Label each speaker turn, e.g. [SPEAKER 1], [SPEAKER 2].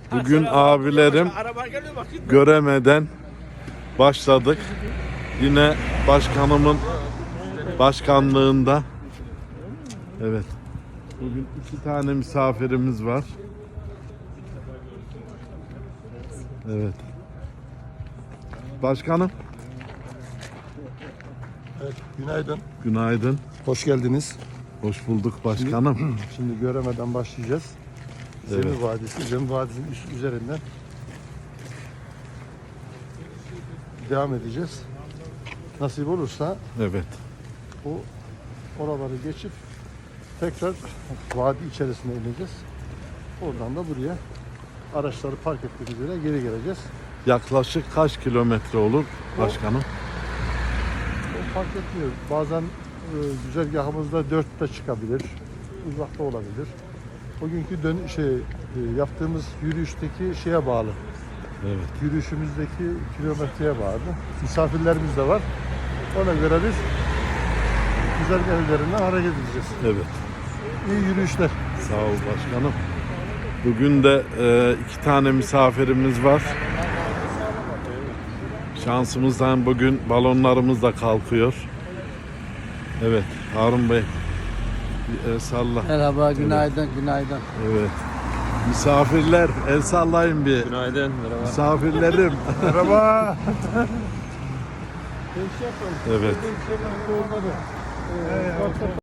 [SPEAKER 1] Bugün abilerim göremeden başladık. Yine başkanımın başkanlığında. Evet. Bugün 2 tane misafirimiz var. Evet. Başkanım.
[SPEAKER 2] Evet, günaydın.
[SPEAKER 1] Günaydın.
[SPEAKER 2] Hoş geldiniz.
[SPEAKER 1] Hoş bulduk başkanım.
[SPEAKER 2] Şimdi Göreme'den başlayacağız.
[SPEAKER 1] Evet.
[SPEAKER 2] Zemir Vadisi, Zemir Vadisi'nin üzerinden devam edeceğiz. Nasip olursa
[SPEAKER 1] Evet.
[SPEAKER 2] bu oraları geçip tekrar vadi içerisine ineceğiz. Oradan da buraya araçları park ettiğimiz yere geri geleceğiz.
[SPEAKER 1] Yaklaşık kaç kilometre olur başkanım?
[SPEAKER 2] O fark etmiyor. Bazen güzergahımızda 4 de çıkabilir, uzakta olabilir. Bugünkü yaptığımız yürüyüşteki şeye bağlı.
[SPEAKER 1] Evet.
[SPEAKER 2] Yürüyüşümüzdeki kilometreye bağlı. Misafirlerimiz de var. Ona göre biz güzergah üzerinden hareket edeceğiz.
[SPEAKER 1] Evet.
[SPEAKER 2] İyi yürüyüşler.
[SPEAKER 1] Sağ ol başkanım. Bugün de 2 tane misafirimiz var. Şansımızdan bugün balonlarımız da kalkıyor. Evet, Harun Bey. Bir el salla.
[SPEAKER 3] Merhaba, günaydın, günaydın.
[SPEAKER 1] Evet. Misafirler, el sallayın bir.
[SPEAKER 4] Günaydın, merhaba.
[SPEAKER 1] Misafirlerim.
[SPEAKER 2] Merhaba.
[SPEAKER 1] Evet.